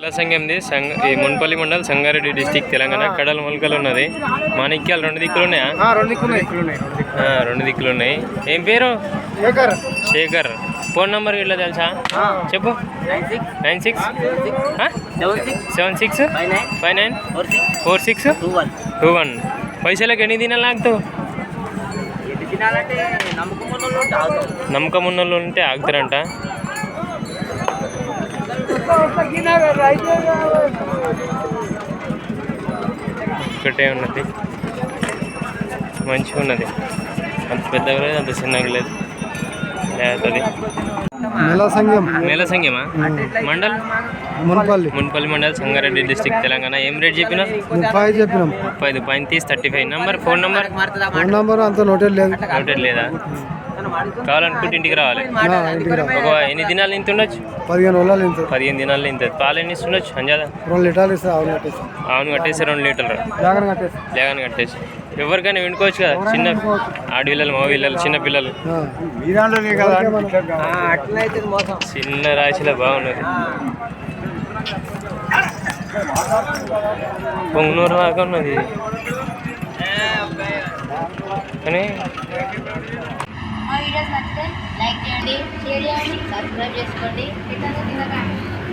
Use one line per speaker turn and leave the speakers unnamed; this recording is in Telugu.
సంఘంది ఈ మున్పల్లి మండల్ సంగారెడ్డి డిస్టిక్ తెలంగాణ కడల మొలకలు ఉన్నది. మాణిక్యాలు 2 దిక్కులు ఉన్నాయా? 2 దిక్కులు ఉన్నాయి. ఏం పేరు? శేఖర్. ఫోన్ నంబర్ ఇట్లా తెలుసా? చెప్పు. 9676594621. పైసలకు ఎన్ని దినాలు లాగుతావు? నమ్మకం ఉన్నోళ్ళు ఉంటే ఆగుతారంట. ఒకటే ఉన్నది, మంచిగా ఉన్నది. అంత పెద్దగా లేదు, అంత చిన్నగా లేదు. లేకపోతే మేళ సంఘమా? మండల్ మున్పల్లి మండల్ సంగారెడ్డి డిస్టిక్ తెలంగాణ. ఏం రేట్ చెప్పినా? 35 పైన తీసి 35. ఫోన్ నంబర్ అంత నోటెడ్ లేదా? కావాలనుకుంటే ఇంటికి రావాలి. ఒక ఎన్ని దినాలు ఇంత ఉండొచ్చు? 15 దినాలు ఇంత. పాలు ఎన్ని ఇస్తుండొచ్చు? అంజాదా 2 లీటర్లు. అవును కట్టేసి 2 లీటర్లు లేగానే కట్టేసి ఎవరికైనా వినుకోవచ్చు కదా. చిన్న ఆడపిల్లలు, మగ పిల్లలు, చిన్న పిల్లలు. చిన్న రాశిలో బాగున్నది. పొంగునూరు దాకా ఉన్నది కానీ
మా వీడియోస్ నచ్చితే లైక్ చేయండి, షేర్ చేయండి, సబ్స్క్రైబ్ చేసుకోండి.